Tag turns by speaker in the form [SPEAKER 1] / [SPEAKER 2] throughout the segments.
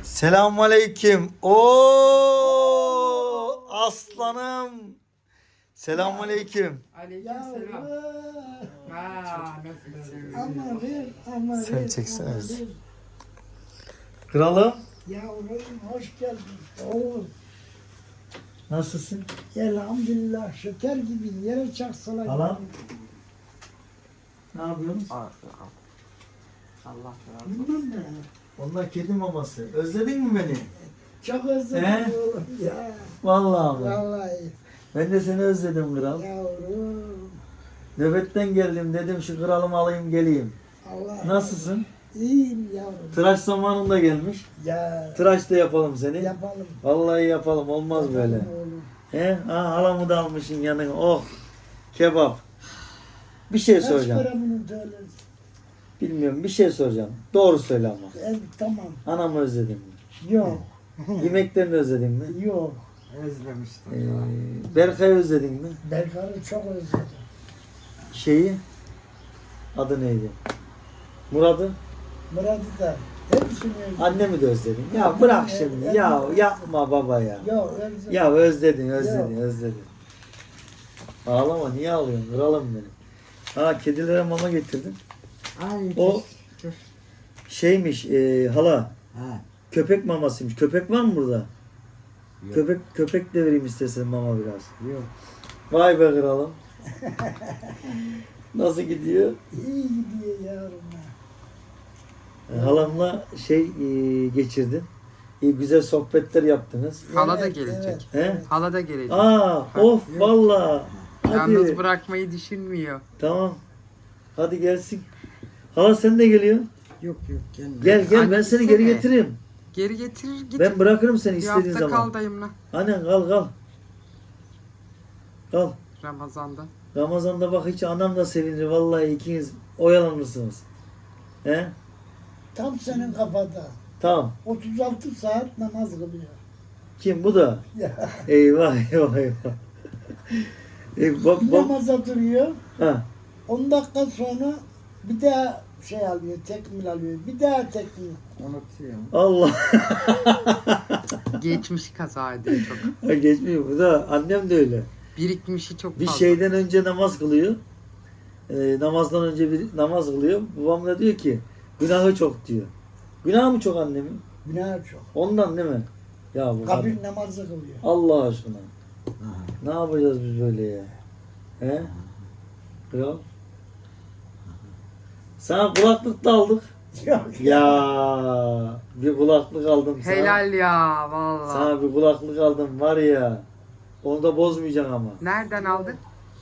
[SPEAKER 1] Selamünaleyküm. Oo aslanım. Selamünaleyküm.
[SPEAKER 2] Aleykümselam. Nasılsın?
[SPEAKER 3] Ama
[SPEAKER 1] Sen çeksene bizi. Kralım.
[SPEAKER 3] Yavrum hoş geldin. Oğul.
[SPEAKER 1] Nasılsın?
[SPEAKER 3] Elhamdülillah şeker gibi yere çaksalar.
[SPEAKER 1] Halam. Ne yapıyorsunuz?
[SPEAKER 2] Allah razı
[SPEAKER 3] Bunlar ne?
[SPEAKER 1] Onlar kedi maması. Özledin mi beni?
[SPEAKER 3] Çok özledim
[SPEAKER 1] He?
[SPEAKER 3] oğlum ya.
[SPEAKER 1] Vallahi mi?
[SPEAKER 3] Vallahi
[SPEAKER 1] Ben de seni özledim kral.
[SPEAKER 3] yavrum.
[SPEAKER 1] Nöbetten geldim dedim şu kralımı alayım geleyim.
[SPEAKER 3] Allah.
[SPEAKER 1] Nasılsın?
[SPEAKER 3] İyiyim yavrum.
[SPEAKER 1] Tıraş zamanında gelmiş.
[SPEAKER 3] Ya
[SPEAKER 1] Tıraş da yapalım seni.
[SPEAKER 3] yapalım.
[SPEAKER 1] Vallahi yapalım olmaz böyle.
[SPEAKER 3] Yapalım oğlum.
[SPEAKER 1] He? Ha, halamı da almışsın yanına. Oh kebap. Bir şey
[SPEAKER 3] Kaç
[SPEAKER 1] soracağım.
[SPEAKER 3] para bunu söyleriz?
[SPEAKER 1] Bilmiyorum bir şey soracağım. Doğru söyle ama.
[SPEAKER 3] Tamam.
[SPEAKER 1] Anamı özledin mi?
[SPEAKER 3] Yok.
[SPEAKER 1] Yemeklerini özledin mi?
[SPEAKER 3] Yok.
[SPEAKER 2] Özlemiştim.
[SPEAKER 1] Berkay'ı özledin mi?
[SPEAKER 3] Berkar'ı çok özledim.
[SPEAKER 1] Şeyi adı neydi? Murat'ı?
[SPEAKER 3] Murat'ı da hepsini özledim.
[SPEAKER 1] Annemi de özledin. Ya bırak şimdi. Ya yapma baba ya.
[SPEAKER 3] Yok özledim.
[SPEAKER 1] Ya özledin. Ağlama niye ağlıyorsun? Kralım benim. Ha kedilere mama getirdim.
[SPEAKER 2] Ay,
[SPEAKER 1] O şeymiş hala
[SPEAKER 2] Ha,
[SPEAKER 1] köpek mamasıymış. Köpek var mı burada?
[SPEAKER 2] Yok.
[SPEAKER 1] Köpek de vereyim istersen mama biraz.
[SPEAKER 2] yok.
[SPEAKER 1] Vay be kralım. Nasıl gidiyor?
[SPEAKER 3] İyi gidiyor yavrum.
[SPEAKER 1] Halamla geçirdin. İyi güzel sohbetler yaptınız.
[SPEAKER 2] Hala da
[SPEAKER 3] Evet,
[SPEAKER 2] gelecek.
[SPEAKER 1] He?
[SPEAKER 2] Hala da gelecek.
[SPEAKER 1] Aa, of valla.
[SPEAKER 2] Yalnız
[SPEAKER 1] Hadi.
[SPEAKER 2] bırakmayı düşünmüyor.
[SPEAKER 1] Tamam. Hadi gelsin. Hala sen de geliyor.
[SPEAKER 2] Yok gelme.
[SPEAKER 1] Gel ben
[SPEAKER 2] Anne
[SPEAKER 1] seni
[SPEAKER 2] gitsene.
[SPEAKER 1] geri getiririm.
[SPEAKER 2] Geri getirir git.
[SPEAKER 1] Ben bırakırım seni
[SPEAKER 2] Bir
[SPEAKER 1] istediğin
[SPEAKER 2] hafta
[SPEAKER 1] zaman.
[SPEAKER 2] kal dayımla.
[SPEAKER 1] Annen kal. Kal.
[SPEAKER 2] Ramazan'da.
[SPEAKER 1] Ramazan'da bak hiç anam da sevinir. Vallahi ikiniz oyalanırsınız. He?
[SPEAKER 3] Tam senin kafada.
[SPEAKER 1] Tamam.
[SPEAKER 3] 36 saat namaz kılıyor.
[SPEAKER 1] Kim bu da?
[SPEAKER 3] Ya.
[SPEAKER 1] Eyvah. Bak.
[SPEAKER 3] Namaza duruyor.
[SPEAKER 1] Ha.
[SPEAKER 3] 10 dakika sonra bir daha şey alıyor, tekmil alıyor. Bir daha tekmil.
[SPEAKER 2] Unutuyorum.
[SPEAKER 1] Allah.
[SPEAKER 2] Geçmiş kaza ediyor çok.
[SPEAKER 1] Geçmiyor. Bu da annem de öyle.
[SPEAKER 2] Birikmişi çok
[SPEAKER 1] Bir
[SPEAKER 2] fazla.
[SPEAKER 1] şeyden önce namaz kılıyor. Namazdan önce bir namaz kılıyor. Babam da diyor ki günahı çok diyor. Günah mı çok annemin?
[SPEAKER 3] Günah çok.
[SPEAKER 1] Ondan değil mi? Ya bu
[SPEAKER 3] Kabir namazı kılıyor.
[SPEAKER 1] Allah aşkına. Ne yapacağız biz böyle ya? He? Kral? Sana kulaklık da aldık.
[SPEAKER 3] Yok.
[SPEAKER 1] Ya bir kulaklık aldım sana.
[SPEAKER 2] Helal ya vallahi.
[SPEAKER 1] Sana bir kulaklık aldım var ya. Onu da bozmayacaksın ama.
[SPEAKER 2] Nereden aldın?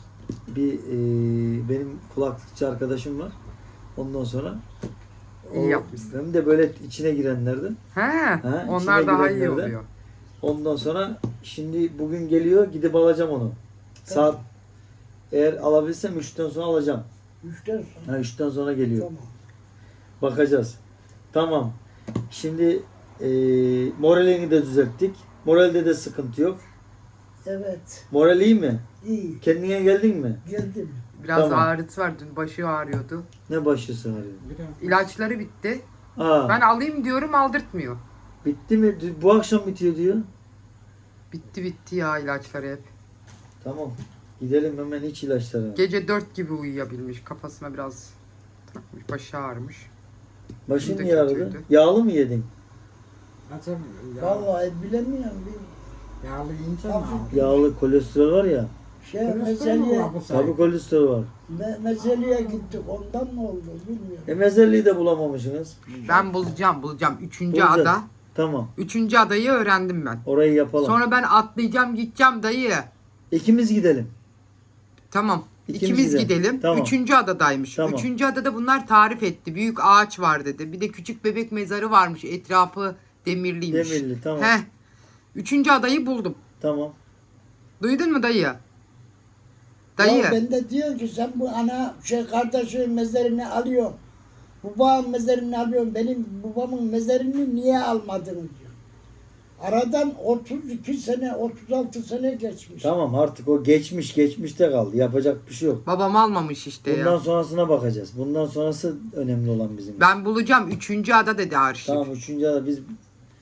[SPEAKER 1] Benim kulaklıkçı arkadaşım var. Ondan sonra
[SPEAKER 2] İyi yapmışsın.
[SPEAKER 1] hem de böyle içine girenlerden.
[SPEAKER 2] He,
[SPEAKER 1] içine
[SPEAKER 2] onlar daha iyi
[SPEAKER 1] girenlerden.
[SPEAKER 2] oluyor.
[SPEAKER 1] Ondan sonra şimdi bugün geliyor gidip alacağım onu. Saat eğer alabilsem 3'ten sonra alacağım.
[SPEAKER 3] 3'ten sonra.
[SPEAKER 1] Ha 3'ten sonra geliyor.
[SPEAKER 3] Tamam.
[SPEAKER 1] Bakacağız. Tamam. Şimdi moralini de düzelttik. Moralde de sıkıntı yok.
[SPEAKER 3] Evet.
[SPEAKER 1] Moral iyi mi?
[SPEAKER 3] İyi.
[SPEAKER 1] Kendine geldin mi?
[SPEAKER 3] Geldim.
[SPEAKER 2] Biraz
[SPEAKER 1] Tamam.
[SPEAKER 2] ağrısı var. Dün başı ağrıyordu.
[SPEAKER 1] Ne başlısın arıyor?
[SPEAKER 2] İlaçları bitti.
[SPEAKER 1] Aa,
[SPEAKER 2] Ben alayım diyorum aldırtmıyor.
[SPEAKER 1] bitti mi? Bu akşam bitiyor diyor.
[SPEAKER 2] Bitti ya ilaçları hep.
[SPEAKER 1] Tamam. Gidelim hemen iç ilaçları.
[SPEAKER 2] Gece 4 gibi uyuyabilmiş. Kafasına biraz takmış. Başı ağrımış.
[SPEAKER 1] Başın
[SPEAKER 2] Bir de
[SPEAKER 1] niye ağrıdı?
[SPEAKER 2] kötüydü.
[SPEAKER 1] Yağlı mı yedin?
[SPEAKER 3] Vallahi bilemiyorum.
[SPEAKER 2] Yağlı yiyince
[SPEAKER 3] mi
[SPEAKER 1] Yağlı kolesterol var ya.
[SPEAKER 3] Mezeliye,
[SPEAKER 1] Tabii kolesterol var.
[SPEAKER 3] mezeliye gittik. Ondan mı oldu bilmiyorum.
[SPEAKER 1] Mezelliyi de bulamamışsınız.
[SPEAKER 2] Ben bulacağım. Üçüncü
[SPEAKER 1] Bulacağız.
[SPEAKER 2] ada.
[SPEAKER 1] Tamam.
[SPEAKER 2] Üçüncü adayı öğrendim ben.
[SPEAKER 1] Orayı yapalım.
[SPEAKER 2] Sonra ben atlayacağım gideceğim dayı.
[SPEAKER 1] İkimiz gidelim.
[SPEAKER 2] Tamam.
[SPEAKER 1] İkimiz
[SPEAKER 2] İkimiz
[SPEAKER 1] gidelim.
[SPEAKER 2] gidelim.
[SPEAKER 1] Tamam.
[SPEAKER 2] Üçüncü adadaymış.
[SPEAKER 1] Tamam.
[SPEAKER 2] Üçüncü adada bunlar tarif etti. Büyük ağaç var dedi. Bir de küçük bebek mezarı varmış. Etrafı demirliymiş.
[SPEAKER 1] Demirli tamam.
[SPEAKER 2] Heh. Üçüncü adayı buldum.
[SPEAKER 1] Tamam.
[SPEAKER 2] Duydun mu dayı?
[SPEAKER 3] Ya
[SPEAKER 2] Dayı.
[SPEAKER 3] ben de diyor ki sen bu kardeşin mezarını alıyorsun. Babamın mezarını alıyorsun. Benim babamın mezarını niye almadın diyor. Aradan 32 sene, 36 sene geçmiş.
[SPEAKER 1] Tamam artık o geçmişte kaldı. Yapacak bir şey yok.
[SPEAKER 2] Babam almamış işte
[SPEAKER 1] Bundan
[SPEAKER 2] ya.
[SPEAKER 1] sonrasına bakacağız. Bundan sonrası önemli olan bizim için.
[SPEAKER 2] Ben bulacağım. Üçüncü ada dedi Arşiv.
[SPEAKER 1] Tamam üçüncü ada biz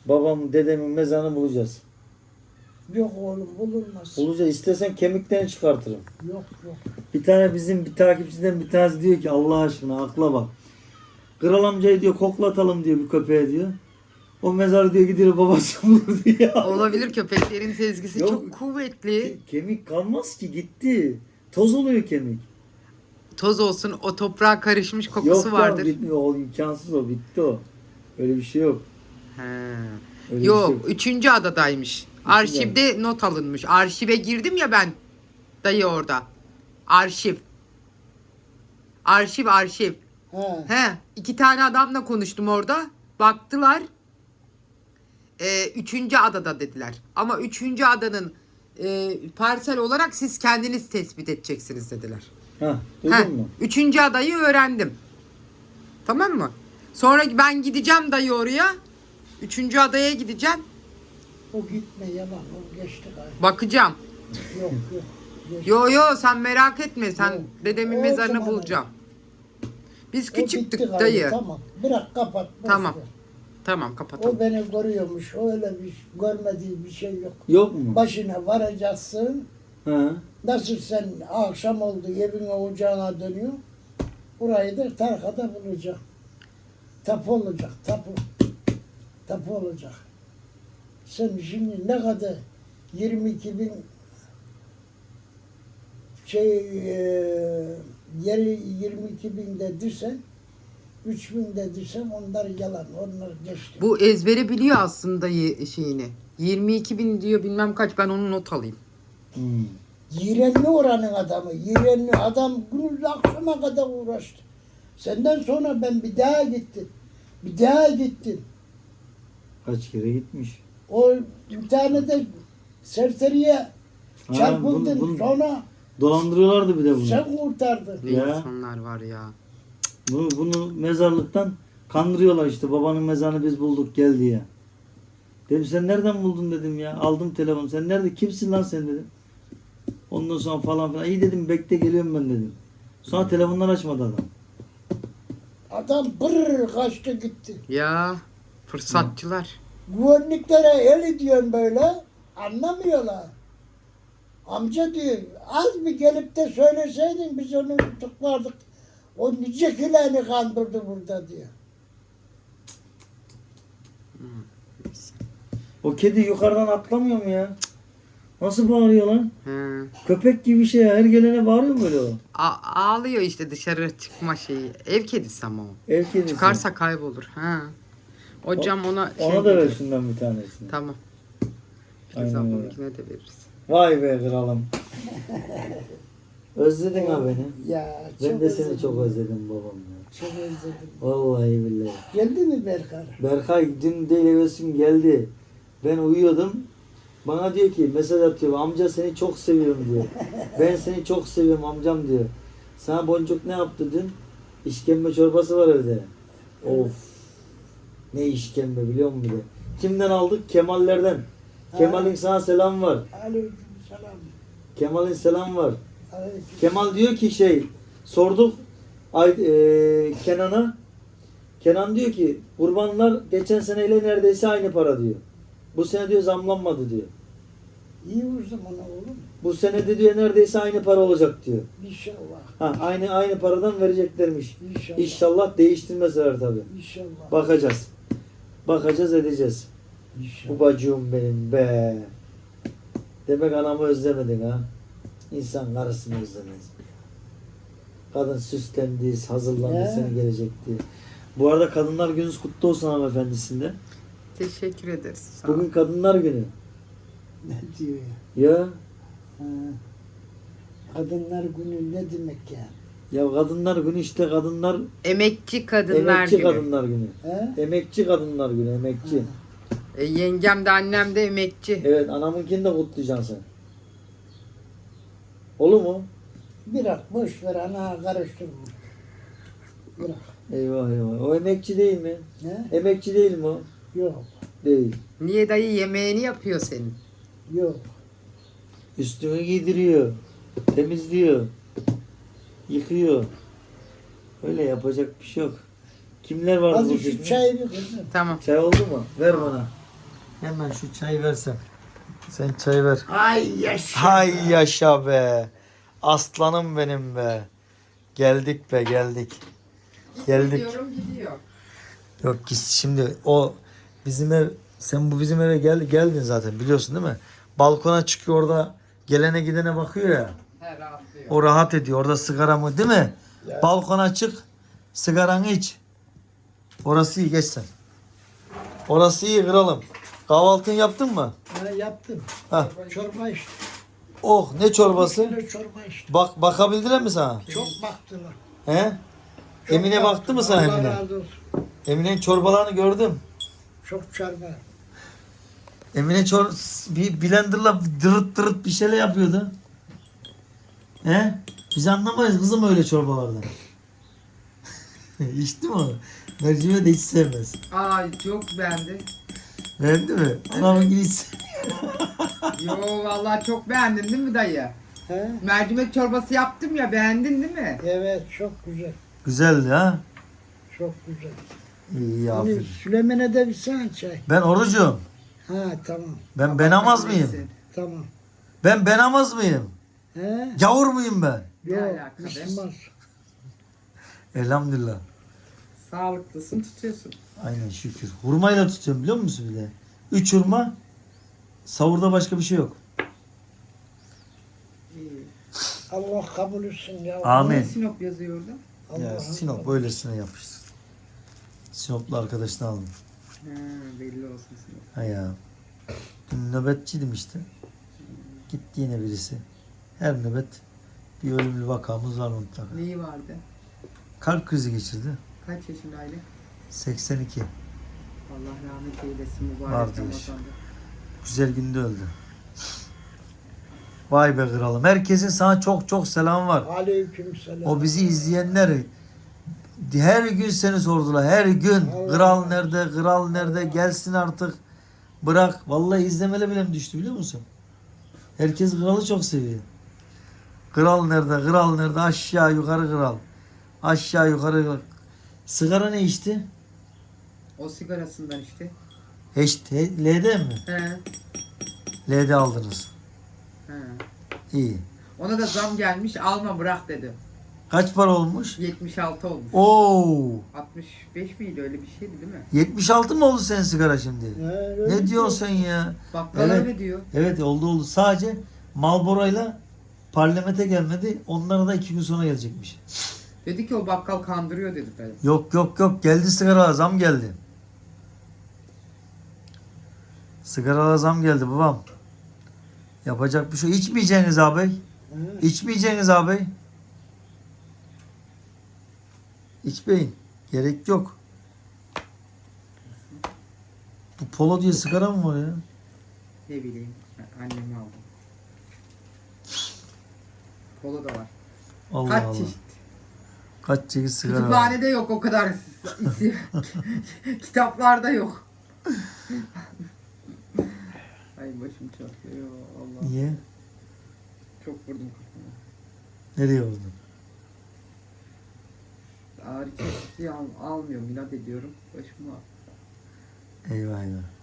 [SPEAKER 1] babamın, dedemin mezarını bulacağız.
[SPEAKER 3] Yok oğlum bulunmaz.
[SPEAKER 1] Bulacağız. İstersen kemiklerini çıkartırım.
[SPEAKER 3] Yok yok.
[SPEAKER 1] Bir tane bizim bir takipçiden bir tanesi diyor ki Allah aşkına akla bak. Kral amcayı diyor koklatalım diyor bir köpeğe diyor. O mezarı diyor gidiyor babası bulur diyor.
[SPEAKER 2] Olabilir, köpeklerin sezgisi
[SPEAKER 1] Yok.
[SPEAKER 2] çok kuvvetli.
[SPEAKER 1] Kemik kalmaz ki gitti. Toz oluyor kemik.
[SPEAKER 2] Toz olsun, o toprağa karışmış kokusu
[SPEAKER 1] Yok
[SPEAKER 2] vardır.
[SPEAKER 1] ya bitmiyor. O imkansız o. Bitti o. Öyle bir şey yok.
[SPEAKER 2] He.
[SPEAKER 1] Öyle bir
[SPEAKER 2] Yok,
[SPEAKER 1] şey yok.
[SPEAKER 2] 3. adadaymış. Arşivde not alınmış. Arşive girdim ya ben. Dayı orada. Arşiv. Arşiv.
[SPEAKER 3] Ha.
[SPEAKER 2] He, 2 tane adamla konuştum orada. Baktılar. 3. adada dediler. Ama 3. adanın parsel olarak siz kendiniz tespit edeceksiniz dediler.
[SPEAKER 1] Ha,
[SPEAKER 2] Heh,
[SPEAKER 1] duydun mu?
[SPEAKER 2] 3. adayı öğrendim. Tamam mı? Sonra ben gideceğim dayı oraya. 3. adaya gideceğim.
[SPEAKER 3] O gitme yalan. O geçti galiba.
[SPEAKER 2] Bakacağım.
[SPEAKER 3] Yok yok. Geçti.
[SPEAKER 2] Yo sen merak etme. Sen
[SPEAKER 3] Yok.
[SPEAKER 2] dedemin
[SPEAKER 3] O
[SPEAKER 2] mezarını
[SPEAKER 3] zaman
[SPEAKER 2] bulacağım. Biz
[SPEAKER 3] O
[SPEAKER 2] küçüktük
[SPEAKER 3] bitti galiba,
[SPEAKER 2] dayı.
[SPEAKER 3] Tamam. Bırak kapat. boş
[SPEAKER 2] Tamam.
[SPEAKER 3] ver.
[SPEAKER 2] Tamam kapatalım.
[SPEAKER 3] O beni görüyormuş. O öyle bir görmediği bir şey yok.
[SPEAKER 1] Yok mu?
[SPEAKER 3] Başına varacaksın.
[SPEAKER 1] Ha.
[SPEAKER 3] Nasıl sen akşam oldu evine ocağına dönüyor. Burayı da tarkada bulacak. Tapu olacak. Tapu olacak. Sen şimdi ne kadar 22 bin yeri 22 bin de dirsen 3 bin de dirsen onlar yalan. Onlar geçti.
[SPEAKER 2] Bu ezbere biliyor aslında şeyini. 22.000 diyor bilmem kaç, ben onu not alayım.
[SPEAKER 1] Hmm.
[SPEAKER 3] Yirenli oranın adamı. Yirenli adam gündüz akşama kadar uğraştı. Senden sonra ben bir daha gittim.
[SPEAKER 1] Kaç kere gitmiş.
[SPEAKER 3] O bir tane de serseriye
[SPEAKER 1] Ha,
[SPEAKER 3] çarpıldın.
[SPEAKER 1] bunu
[SPEAKER 3] Sonra
[SPEAKER 1] dolandırıyorlardı bir de bunu.
[SPEAKER 3] sen kurtardın.
[SPEAKER 2] Ne
[SPEAKER 1] Ya.
[SPEAKER 2] insanlar var ya.
[SPEAKER 1] Bunu mezarlıktan kandırıyorlar işte. Babanın mezarını biz bulduk gel diye. Dedim sen nereden buldun dedim ya. Aldım telefonu. Sen nerede? Kimsin lan sen dedim. Ondan sonra falan filan. İyi dedim bekle geliyorum ben dedim. Sonra telefonlar açmadı adam.
[SPEAKER 3] Adam pırr kaçtı gitti.
[SPEAKER 2] Ya fırsatçılar.
[SPEAKER 3] Güvenliklere el ediyorsun böyle. Anlamıyorlar. Amca diyor az bir gelip de söyleseydin biz onu tutuklardık. O nice kileni kandırdı burada diyor.
[SPEAKER 1] O kedi yukarıdan atlamıyor mu ya? Nasıl bağırıyor lan?
[SPEAKER 2] He.
[SPEAKER 1] Köpek gibi bir şey ya. Her gelene bağırıyor mu böyle o?
[SPEAKER 2] Ağlıyor işte, dışarı çıkma şeyi. Ev kedisi ama o.
[SPEAKER 1] Ev kedisi.
[SPEAKER 2] Çıkarsa kaybolur. Ha. O cam ona
[SPEAKER 1] Ona da ver
[SPEAKER 2] dedi.
[SPEAKER 1] şundan bir tanesini.
[SPEAKER 2] Tamam.
[SPEAKER 1] Aynen
[SPEAKER 2] Biz
[SPEAKER 1] öyle.
[SPEAKER 2] ablamınkine de veririz.
[SPEAKER 1] Vay be kralım. Özledin ha beni.
[SPEAKER 3] Ya
[SPEAKER 1] Ben de seni
[SPEAKER 3] özledim.
[SPEAKER 1] çok özledim babam ya.
[SPEAKER 3] Çok özledim.
[SPEAKER 1] Vallahi billahi.
[SPEAKER 3] Geldi mi Berkar?
[SPEAKER 1] Berkay dün değil evvelsin geldi. Ben uyuyordum. Bana diyor ki mesaj atıyor. Amca seni çok seviyorum diyor. Ben seni çok seviyorum amcam diyor. Sana Boncuk ne yaptı dün? İşkembe çorbası var evde. Of. Ne işkembe biliyor musun bir de? Kimden aldık? Kemallerden. Kemal'in sana selam var.
[SPEAKER 3] Aleyküm selam.
[SPEAKER 1] Kemal'in selam var.
[SPEAKER 3] Aleyküm.
[SPEAKER 1] Kemal diyor ki sorduk Kenan'a. Kenan diyor ki kurbanlar geçen seneyle neredeyse aynı para diyor. Bu sene diyor zamlanmadı diyor.
[SPEAKER 3] İyi o zaman oğlum.
[SPEAKER 1] Bu sene de diyor neredeyse aynı para olacak diyor.
[SPEAKER 3] İnşallah.
[SPEAKER 1] Ha aynı paradan vereceklermiş.
[SPEAKER 3] İnşallah.
[SPEAKER 1] İnşallah değiştirmezler tabii.
[SPEAKER 3] İnşallah.
[SPEAKER 1] Bakacağız. Bakacağız edeceğiz.
[SPEAKER 3] İnşallah.
[SPEAKER 1] Babacığım benim be. Demek anamı özlemedin ha. İnsan karısını özlemez. Kadın süslendi, hazırlandı
[SPEAKER 3] Ya.
[SPEAKER 1] seni gelecekti. Bu arada Kadınlar Gününüz kutlu olsun hanımefendisinde.
[SPEAKER 2] Teşekkür ederiz. Sağ ol.
[SPEAKER 1] Bugün Kadınlar Günü.
[SPEAKER 3] Ne diyor ya?
[SPEAKER 1] Ya
[SPEAKER 3] Ha. Kadınlar günü ne demek ya?
[SPEAKER 1] ya Kadınlar Günü işte kadınlar
[SPEAKER 2] Emekçi kadınlar
[SPEAKER 1] emekçi
[SPEAKER 2] günü.
[SPEAKER 1] Kadınlar Günü.
[SPEAKER 3] He?
[SPEAKER 1] Emekçi Kadınlar Günü, emekçi.
[SPEAKER 2] Yengem de annem de emekçi.
[SPEAKER 1] Evet anamınkini de kutlayacaksın sen. Olur mu?
[SPEAKER 3] Bırak boş ver ana karıştırma. Bırak.
[SPEAKER 1] Eyvah eyvah. O emekçi değil mi?
[SPEAKER 3] Ne?
[SPEAKER 1] Emekçi değil mi o?
[SPEAKER 3] Yok.
[SPEAKER 1] Değil.
[SPEAKER 2] Niye dayı yemeğini yapıyor senin?
[SPEAKER 3] Yok.
[SPEAKER 1] Üstünü giydiriyor. Temizliyor. Yıkıyor. Öyle yapacak bir şey yok. Kimler var bu
[SPEAKER 3] Az şu
[SPEAKER 1] çeşme?
[SPEAKER 3] çayı bir kızım.
[SPEAKER 2] Tamam.
[SPEAKER 1] Çay oldu mu? Ver bana. Hemen şu çayı versen. Sen çay ver.
[SPEAKER 3] Ay yaşa.
[SPEAKER 1] Hay yaşa be. Aslanım benim be. Geldik be geldik. Geldik.
[SPEAKER 2] Gidiyorum gidiyor.
[SPEAKER 1] Yok ki şimdi o bizim ev, sen bu bizim eve geldin zaten biliyorsun değil mi? Balkona çıkıyor orada gelene gidene bakıyor ya.
[SPEAKER 2] He rahatlıyor.
[SPEAKER 1] O rahat ediyor. Orada sigara mı değil mi?
[SPEAKER 3] Ya.
[SPEAKER 1] Balkona çık. Sigaranı iç. Orası iyi geç sen. Orası iyi kralım. Kahvaltını yaptın mı?
[SPEAKER 3] Ha, yaptım.
[SPEAKER 1] Ha.
[SPEAKER 3] Çorba içtim.
[SPEAKER 1] Oh ne çorbası?
[SPEAKER 3] Bir kilo çorba içtim.
[SPEAKER 1] Bakabildiler mi sana?
[SPEAKER 3] Çok baktılar.
[SPEAKER 1] He?
[SPEAKER 3] Çok
[SPEAKER 1] Emine baktı mı sana
[SPEAKER 3] Allah
[SPEAKER 1] Emine?
[SPEAKER 3] razı olsun.
[SPEAKER 1] Emine'nin çorbalarını gördüm.
[SPEAKER 3] Çok çorba.
[SPEAKER 1] Emine bir blenderla dırıt dırıt bir şeyler yapıyordu. He? Biz anlamayız kızım öyle çorbalardan. İçti mi o? Mercimeği de hiç sevmez.
[SPEAKER 2] Ay çok beğendi.
[SPEAKER 1] Beğendi mi? Anamın gibi hiç
[SPEAKER 2] Yo vallahi çok beğendin değil mi dayı?
[SPEAKER 3] He?
[SPEAKER 2] Mercimek çorbası yaptım ya, beğendin değil mi?
[SPEAKER 3] Evet çok güzel.
[SPEAKER 1] güzeldi ha.
[SPEAKER 3] Çok güzel.
[SPEAKER 1] İyi
[SPEAKER 3] Hani
[SPEAKER 1] aferin.
[SPEAKER 3] Süleyman'a da bir sen çay.
[SPEAKER 1] Ben orucum.
[SPEAKER 3] Ha tamam.
[SPEAKER 1] Ben amaz mıyım?
[SPEAKER 2] Neyse.
[SPEAKER 3] Tamam.
[SPEAKER 1] Ben amaz mıyım?
[SPEAKER 3] He?
[SPEAKER 1] Gavur muyum ben?
[SPEAKER 2] Ne
[SPEAKER 3] Yok.
[SPEAKER 2] alaka be?
[SPEAKER 3] Müslüman.
[SPEAKER 1] Elhamdülillah.
[SPEAKER 2] Sağlıklısın, tutuyorsun.
[SPEAKER 1] Aynen şükür. Hurmayla tutuyorum biliyor musun bir de? 3 hurma. Savurda başka bir şey yok.
[SPEAKER 2] İyi.
[SPEAKER 3] Allah kabul etsin ya.
[SPEAKER 1] Amin.
[SPEAKER 2] Ne Sinop yazıyor orada?
[SPEAKER 1] Ya
[SPEAKER 3] Allah'ım
[SPEAKER 1] Sinop böylesine yapıştır. Sinoplu arkadaşını aldım.
[SPEAKER 2] Ha, belli olsun Sinop.
[SPEAKER 1] Ha ya. Dün nöbetçiydim işte. Gitti yine birisi. Her nöbet bir ölümlü vakamız var mutlaka.
[SPEAKER 2] Neyi vardı?
[SPEAKER 1] Kalp krizi geçirdi.
[SPEAKER 2] Kaç yaşındaydı?
[SPEAKER 1] 82.
[SPEAKER 2] Allah rahmet eylesin mübarek
[SPEAKER 1] Vardı
[SPEAKER 2] Ramazan'da.
[SPEAKER 1] Güzel günde öldü. Vay be kralım. Herkesin sana çok çok selam var.
[SPEAKER 3] Aleykümselam.
[SPEAKER 1] O bizi izleyenler her gün seni sordular. Her gün.
[SPEAKER 3] Allah
[SPEAKER 1] Kral
[SPEAKER 3] Allah.
[SPEAKER 1] nerede? Kral nerede? Gelsin artık. Bırak. Vallahi izlemele bile mi düştü biliyor musun? Herkes kralı çok seviyor. Kral nerede? Kral nerede? Aşağı yukarı kral. Aşağı yukarı kral. Sigara ne içti?
[SPEAKER 2] O sigarasından işte.
[SPEAKER 1] LD mi?
[SPEAKER 2] He.
[SPEAKER 1] LD aldınız.
[SPEAKER 2] He.
[SPEAKER 1] İyi.
[SPEAKER 2] Ona da zam gelmiş, alma bırak dedi.
[SPEAKER 1] Kaç para olmuş?
[SPEAKER 2] 76 olmuş.
[SPEAKER 1] Oo.
[SPEAKER 2] 65 miydi, öyle bir şeydi değil mi?
[SPEAKER 1] 76 mı oldu senin sigara şimdi?
[SPEAKER 3] öyle
[SPEAKER 1] Ne
[SPEAKER 3] mi?
[SPEAKER 1] diyorsun sen ya?
[SPEAKER 2] Bakkal
[SPEAKER 1] Evet.
[SPEAKER 2] öyle diyor.
[SPEAKER 1] Evet oldu. Sadece Marlboro'yla parlamente gelmedi. Onlara da 2 gün sonra gelecekmiş.
[SPEAKER 2] Dedi ki o bakkal kandırıyor dedi dayı.
[SPEAKER 1] Yok. Geldi sigara zam geldi. Sigara zam geldi babam. Yapacak bir şey. İçmeyeceğiniz abi.
[SPEAKER 3] He.
[SPEAKER 1] İçmeyeceğiniz abi. İçmeyin. Gerek yok. Bu polo diye sigara mı var ya?
[SPEAKER 2] Ne bileyim, annemi aldım. Polo da var.
[SPEAKER 1] Allah
[SPEAKER 2] Kaç
[SPEAKER 1] Allah.
[SPEAKER 2] çeşit.
[SPEAKER 1] Kaç çeşit sigara var.
[SPEAKER 2] Kütüphanede yok o kadar isim. Kitaplarda yok. Ay başım çatlıyor. Allah.
[SPEAKER 1] Niye?
[SPEAKER 2] Çok vurdum kafama.
[SPEAKER 1] Nereye vurdun?
[SPEAKER 2] Ağrı kesici almıyorum. İnat ediyorum. Başım ağrıyor.
[SPEAKER 1] Eyvah.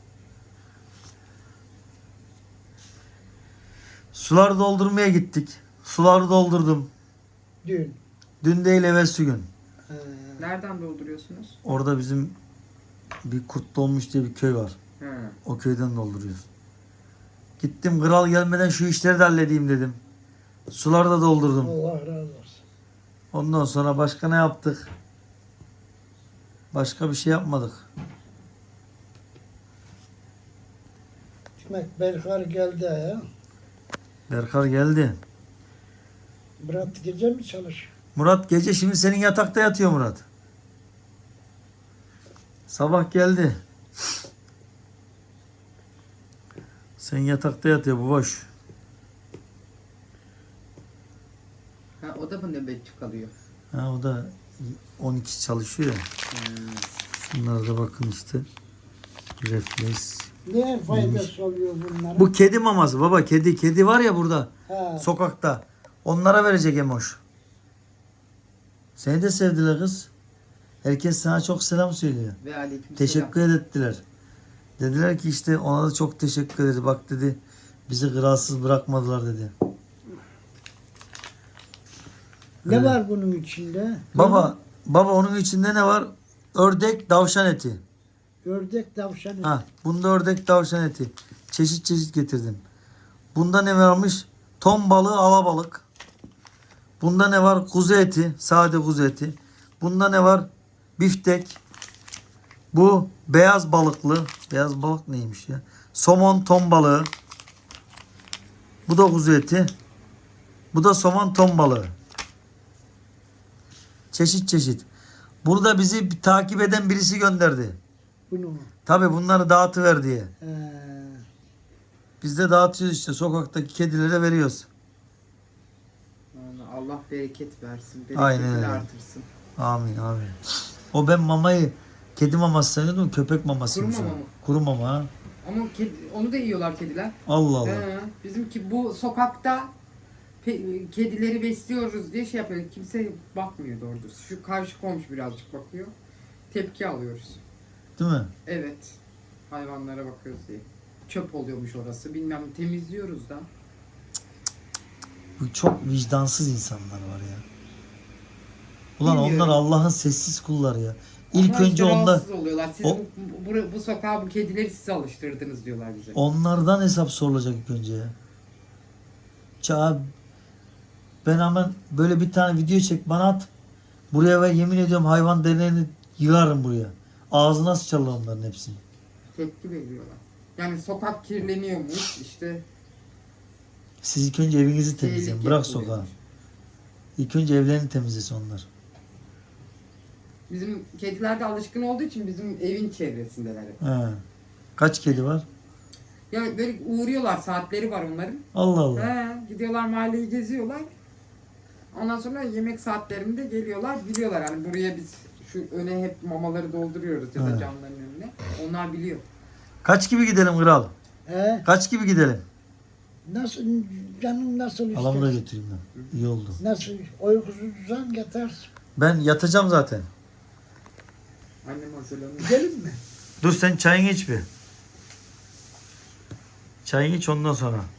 [SPEAKER 1] Suları doldurmaya gittik. Suları doldurdum.
[SPEAKER 3] Dün.
[SPEAKER 1] Dün değil evvelsi gün.
[SPEAKER 3] He.
[SPEAKER 2] Nereden dolduruyorsunuz?
[SPEAKER 1] Orada bizim bir Kurt Dolmuş diye bir köy var.
[SPEAKER 2] He.
[SPEAKER 1] O köyden dolduruyoruz. Gittim kral gelmeden şu işleri de halledeyim dedim. Suları da doldurdum.
[SPEAKER 3] Allah razı olsun.
[SPEAKER 1] Ondan sonra başka ne yaptık? Başka bir şey yapmadık.
[SPEAKER 3] Demek Berkar geldi ya.
[SPEAKER 1] Berkar geldi.
[SPEAKER 3] Murat gece mi çalışıyor?
[SPEAKER 1] Murat gece şimdi senin yatakta yatıyor Murat. Sabah geldi. Sen yatakta yatıyor bu boş.
[SPEAKER 2] Ha, o da mı nöbetçi kalıyor?
[SPEAKER 1] Ha, o da 12 çalışıyor ya. Şunlar da bakın işte. Refleks.
[SPEAKER 3] Ne faydası oluyor bunlara?
[SPEAKER 1] Bu kedi maması baba. Kedi var ya burada.
[SPEAKER 3] Ha.
[SPEAKER 1] Sokakta. Onlara verecek Emoş. Seni de sevdiler kız. Herkes sana çok selam söylüyor.
[SPEAKER 2] Ve aleyküm
[SPEAKER 1] Teşekkür ettiler. Dediler ki işte ona da çok teşekkür ederiz. Bak dedi bizi kralsız bırakmadılar dedi.
[SPEAKER 3] Ne
[SPEAKER 1] Öyle.
[SPEAKER 3] var bunun içinde?
[SPEAKER 1] Baba onun içinde ne var? Ördek, tavşan eti.
[SPEAKER 3] Ördek tavşan.
[SPEAKER 1] Ha, bunda ördek, tavşan eti. Çeşit çeşit getirdim. Bunda ne varmış? Ton balığı, alabalık. Bunda ne var? Kuzu eti, sade kuzu eti. Bunda ne var? Biftek. Bu beyaz balıklı. Beyaz balık neymiş ya? Somon, ton balığı. Bu da kuzu eti. Bu da somon, ton balığı. Çeşit çeşit. Burada bizi takip eden birisi gönderdi.
[SPEAKER 3] Bunu.
[SPEAKER 1] Tabii bunları dağıtıver diye.
[SPEAKER 3] Ee,
[SPEAKER 1] Biz de dağıtıyoruz işte. Sokaktaki kedilere veriyoruz.
[SPEAKER 2] Yani Allah bereket versin.
[SPEAKER 1] Aynen
[SPEAKER 2] Bereketini
[SPEAKER 1] öyle.
[SPEAKER 2] artırsın.
[SPEAKER 1] Amin amin. O ben mamayı kedi maması sanıyordum. Köpek mamasıymış.
[SPEAKER 2] Kuru
[SPEAKER 1] o.
[SPEAKER 2] mama mı?
[SPEAKER 1] Kuru mama ha.
[SPEAKER 2] Ama onu da yiyorlar kediler.
[SPEAKER 1] Allah Allah.
[SPEAKER 2] Bizimki bu sokakta kedileri besliyoruz diye şey yapıyor. Kimse bakmıyor doğru düz. Şu karşı komşu birazcık bakıyor. Tepki alıyoruz.
[SPEAKER 1] Değil mi?
[SPEAKER 2] Evet. Hayvanlara bakıyoruz diye. Çöp oluyormuş orası. Bilmem temizliyoruz da.
[SPEAKER 1] Bu çok vicdansız insanlar var ya. Ulan
[SPEAKER 2] Bilmiyorum.
[SPEAKER 1] onlar Allah'ın sessiz kulları ya. İlk
[SPEAKER 2] Ama
[SPEAKER 1] önce
[SPEAKER 2] işte
[SPEAKER 1] onlar
[SPEAKER 2] rahatsız oluyorlar. Siz
[SPEAKER 1] O-
[SPEAKER 2] bu sokağa bu kedileri size alıştırdınız diyorlar bize.
[SPEAKER 1] onlardan hesap sorulacak ilk önce ya. Ça ben hemen böyle bir tane video çek bana at. Buraya ve yemin ediyorum hayvan deneyini yığarım buraya. Ağzına sıçarlar onların hepsini.
[SPEAKER 2] Tepki veriyorlar. Yani sokak kirleniyormuş işte.
[SPEAKER 1] Siz ilk önce evinizi temizleyin.
[SPEAKER 2] tehlike
[SPEAKER 1] Bırak
[SPEAKER 2] oluyormuş.
[SPEAKER 1] sokağı. İlk önce evlerini temizlesin onlar.
[SPEAKER 2] Bizim kediler de alışkın olduğu için bizim evin çevresindeler hep.
[SPEAKER 1] He. Kaç kedi var?
[SPEAKER 2] Ya böyle uğruyorlar, saatleri var onların.
[SPEAKER 1] Allah Allah.
[SPEAKER 2] Gidiyorlar mahalleyi geziyorlar. Ondan sonra yemek saatlerinde geliyorlar, biliyorlar yani buraya biz şu öne hep mamaları dolduruyoruz ya da
[SPEAKER 1] He.
[SPEAKER 2] camların önüne. Onlar biliyor.
[SPEAKER 1] Kaç gibi gidelim kral? Kaç gibi gidelim?
[SPEAKER 3] nasıl canın nasıl
[SPEAKER 1] Halamı da
[SPEAKER 3] ister?
[SPEAKER 1] götüreyim ben. İyi oldu.
[SPEAKER 3] Nasıl uykusuzsan yatarsın.
[SPEAKER 1] Ben yatacağım zaten.
[SPEAKER 2] Annem hazırlanıyor.
[SPEAKER 3] Gidelim mi?
[SPEAKER 1] Dur sen çayını iç bir. Çayını iç ondan sonra.